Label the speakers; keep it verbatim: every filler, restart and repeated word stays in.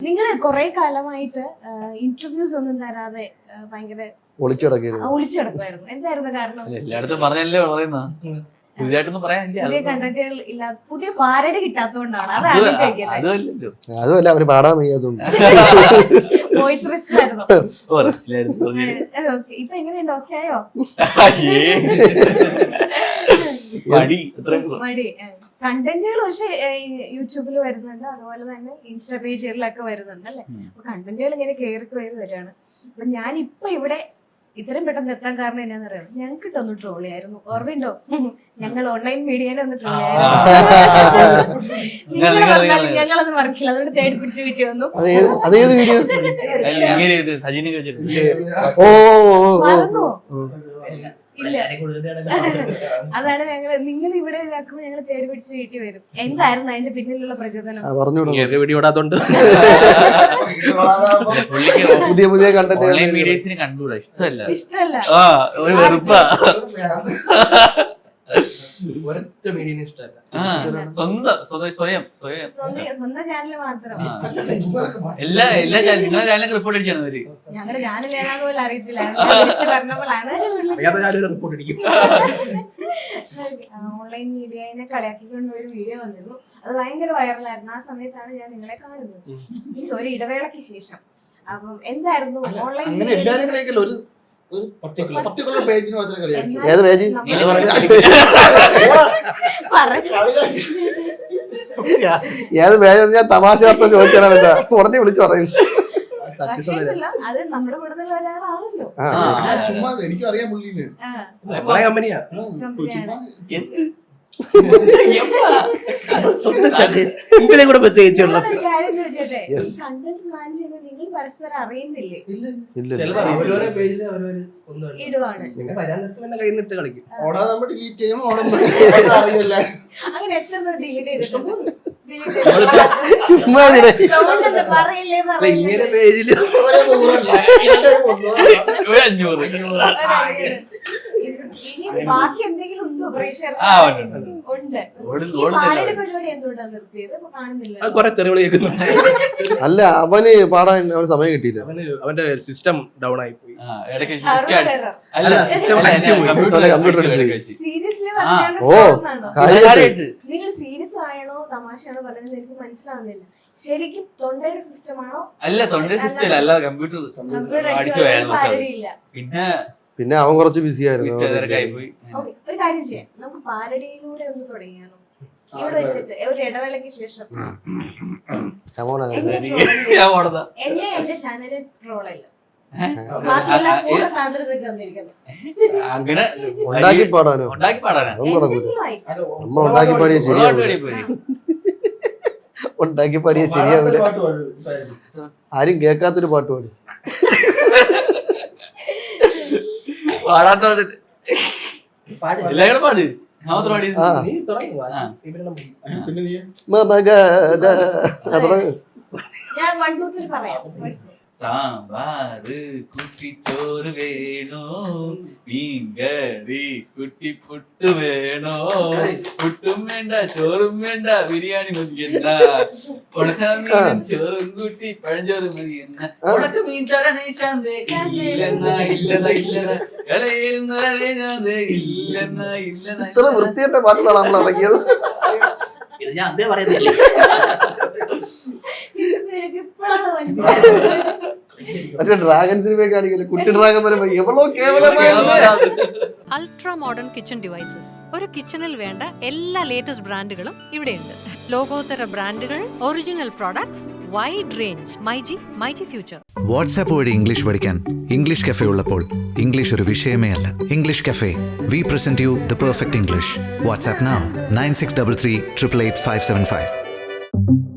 Speaker 1: നിങ്ങള് കൊറേ കാലമായിട്ട് ഇന്റർവ്യൂസ് ഒന്നും തരാതെ ഭയങ്കര
Speaker 2: ഒളിച്ചടക്കായിരുന്നു
Speaker 1: ഒളിച്ചടക്കുമായിരുന്നു. എന്തായിരുന്നു കാരണം?
Speaker 3: എല്ലായിടത്തും പറഞ്ഞല്ലേ പറയുന്ന പുതിയതായിട്ടൊന്നും പറയാൻ
Speaker 1: പുതിയ കണ്ടന്റുകൾ ഇല്ല, പുതിയ പാരഡി കിട്ടാത്തോണ്ടാണ്. അതാണ് ചോദിക്കുന്നത്.
Speaker 3: അതല്ലോ
Speaker 2: അതുമല്ല അവര് പാടാൻ വയ്യാതുണ്ട്.
Speaker 1: വോയിസ് റെസ്റ്റിലായിരുന്നു.
Speaker 3: ഓ റെസ്റ്റിലായിരുന്നു.
Speaker 1: ഇപ്പൊ എങ്ങനെയുണ്ട്? ഓക്കെ ആയോ?
Speaker 3: മടി
Speaker 1: മടി കണ്ടന്റുകൾ പക്ഷെ യൂട്യൂബിൽ വരുന്നുണ്ട്, അതുപോലെ തന്നെ ഇൻസ്റ്റാ പേജുകളിലൊക്കെ വരുന്നുണ്ട് അല്ലെ. അപ്പൊ കണ്ടന്റുകൾ ഇങ്ങനെ കയറി കയറി വരികയാണ്. അപ്പൊ ഞാൻ ഇപ്പൊ ഇവിടെ ഇത്രയും പെട്ടെന്ന് എത്താൻ കാരണം എന്നാന്ന് അറിയാം, ഞങ്ങൾക്ക് ഇട്ടൊന്ന് ട്രോൾ ചെയ്യായിരുന്നു. ഓർമ്മയുണ്ടോ? ഞങ്ങൾ ഓൺലൈൻ മീഡിയനെ ഒന്ന് ട്രോൾ ചെയ്യായിരുന്നു. നിങ്ങൾ പറഞ്ഞാലും ഞങ്ങളൊന്നും മറക്കില്ല, അതുകൊണ്ട് തേടി പിടിച്ച് വീട്ടിൽ വന്നു. മറന്നോ? ഇല്ല. അതാണ് ഞങ്ങൾ നിങ്ങൾ ഇവിടെ ഇതാക്കുമ്പോൾ ഞങ്ങൾ തേടി പിടിച്ച് വീട്ടിൽ വരും. എന്തായിരുന്നു അതിന്റെ പിന്നിലുള്ള പ്രചോദനം?
Speaker 2: പുതിയ പുതിയ കണ്ടന്റ്
Speaker 3: മീഡിയസിന് കണ്ടുകൂടാ, ഇഷ്ടമല്ല
Speaker 1: ഇഷ്ടമല്ല.
Speaker 3: ആ ഒരു വെറുപ്പാ.
Speaker 4: ഒരൊറ്റ മീഡിയനെ ഇഷ്ടമല്ല.
Speaker 3: സ്വന്തം സ്വയം സ്വയം
Speaker 1: സ്വന്തം ചാനൽ മാത്രം.
Speaker 3: എല്ലാ എല്ലാ നിങ്ങളുടെ ചാനലൊക്കെ റിപ്പോർട്ട് അടിച്ചാണ് അവര്.
Speaker 1: ഞങ്ങളുടെ ചാനൽ ഏതാന്ന് പോലും അറിയത്തില്ല, പറഞ്ഞപ്പോഴാണ്
Speaker 4: റിപ്പോർട്ട് അടിക്കും.
Speaker 1: ഓൺലൈൻ മീഡിയനെ കളിയാക്കിക്കൊണ്ട് ഒരു വീഡിയോ വന്നിരുന്നു. അത് ഭയങ്കര വൈറലായിരുന്നു. ആ സമയത്താണ് ഞാൻ നിങ്ങളെ കാണുന്നത്, മീൻസ് ഒരു ഇടവേളയ്ക്ക് ശേഷം. അപ്പം എന്തായിരുന്നു ഓൺലൈൻ
Speaker 5: പർട്ടിക്കുലർ പേജിന് മാത്രമേ കളിയാക്കൂ.
Speaker 2: ഏത് പേജ്? ഏത് പേജ്? ഞാൻ തമാശ അർത്ഥം ചോദിച്ചാണ് എന്താ ഉടനെ വിളിച്ചു പറയുന്നത്.
Speaker 1: അത് നമ്മുടെ കൂടുതൽ ഒരാളാണല്ലോ.
Speaker 5: ചുമ്മാ എനിക്ക് അറിയാൻ പുള്ളിന്
Speaker 4: കമ്പനിയാ.
Speaker 1: കാര്യം ചോദിച്ചോട്ടെ, കണ്ടന്റ് പ്ലാൻ ചെയ്യുന്നത് നിങ്ങൾ പരസ്പരം അറിയുന്നില്ലേ? ഇടുവാണ്.
Speaker 5: ഓടാ നമ്മൾ ഡിലീറ്റ് ചെയ്യും, ഓണം അറിയില്ല.
Speaker 1: അങ്ങനെ എത്ര ഡിലീറ്റ് ചെയ്തിട്ടുണ്ട്?
Speaker 4: ഇങ്ങനെ പേജില്
Speaker 3: അഞ്ഞൂറ്
Speaker 1: ബാക്കി എന്തെങ്കിലും ഉണ്ടോ? ഉണ്ട്. പരിപാടി എന്തുകൊണ്ടാണ് നിർത്തിയത്? കാണുന്നില്ല.
Speaker 4: കൊറേ തെറിവിളി കേൾക്കുന്നുണ്ട്.
Speaker 2: അല്ല, അവന് പാടാൻ അവന് സമയം കിട്ടിയില്ല.
Speaker 4: അവന് അവന്റെ സിസ്റ്റം ഡൗൺ ആയി പോയി.
Speaker 1: സീരിയസ്ലി
Speaker 2: ഓ
Speaker 1: നിങ്ങൾ സീരിയസ് ആണോ തമാശയാണോ പറയുന്നത് എനിക്ക് മനസ്സിലാവുന്നില്ല. ശരിക്കും തൊണ്ടയുടെ സിസ്റ്റം ആണോ?
Speaker 3: അല്ല, തൊണ്ടയുടെ സിസ്റ്റം അല്ല, കമ്പ്യൂട്ടർ അടിച്ചു പോയായിരുന്നു. പിന്നെ
Speaker 2: പിന്നെ അവൻ കുറച്ച് ബിസി ആയിരുന്നു.
Speaker 1: ഒരു കാര്യം ചെയ്യാം, നമുക്ക് പാരഡിയിലൂടെ ഒന്ന് തുടങ്ങിയാലോ? ഇവിടെ വെച്ചിട്ട് ഒരു ഇടവേളയ്ക്ക് ശേഷം എന്നെ എന്റെ ചാനലിൽ ട്രോളല്ല,
Speaker 3: അങ്ങനെ
Speaker 2: ഉണ്ടാക്കി പാടാനോ?
Speaker 3: ഉണ്ടാക്കി പാടാനോ?
Speaker 2: നമ്മൾ ഉണ്ടാക്കി പാടിയ ശരിയാവില്ല. ഉണ്ടാക്കി പാടിയ ശരിയാവില്ല. ആരും കേൾക്കാത്തൊരു പാട്ട് പാടി.
Speaker 3: പാടാത്ത എല്ലാവരും പാട്. പാടി
Speaker 5: പിന്നെ നീ
Speaker 1: ഞാൻ വൺ ടു ത്രീ പറയാം.
Speaker 3: സാമ്പാറ് കുട്ടിച്ചോറ് വേണോ, മീൻകറി കുട്ടിപ്പുട്ട് വേണോ, പുട്ടും വേണ്ട ചോറും വേണ്ട ബിരിയാണി മതിയെന്ന, ഉണക്കമീനും ചോറും കൂട്ടി പഴഞ്ചോറും മതിയെന്ന, ഉണക്ക മീൻ തരണേ ശാന്തേ ഇല്ലെന്ന ഇല്ലെന്ന ഇല്ലെന്ന ഇളയേരുന്നേ ശാന്തേ ഇല്ലെന്ന ഇല്ലെന്ന.
Speaker 2: ഇത്ര വൃത്തിയായിട്ട പാട്ടുകളാണ് നമ്മൾ ഇറക്കിയത്.
Speaker 4: ഇത് ഞാൻ അതേ പറയുന്നില്ല.
Speaker 2: മറ്റേ ഡ്രാഗൺ സിനിമ കാണിക്കല്ലേ, കുട്ടി ഡ്രാഗൺ വരുമ്പോ എവളോ കേവലമായ
Speaker 6: അൾട്രാ മോഡേൺ കിച്ചൺ ഡിവൈസസ്. ഒരു കിച്ചണിൽ വേണ്ട എല്ലാ ലേറ്റസ്റ്റ് ബ്രാൻഡുകളും ഇവിടെയുണ്ട്. ലോകോത്തര ബ്രാൻഡുകൾ, original products, wide range. MyG myG future.
Speaker 7: WhatsApp വഴി ഇംഗ്ലീഷ് പഠിക്കാൻ ഇംഗ്ലീഷ് കഫേ ഉള്ളപ്പോൾ ഇംഗ്ലീഷ് ഒരു വിഷയമേ അല്ല. English cafe, we present you the perfect English. WhatsApp now nine six double three triple eight five seven five.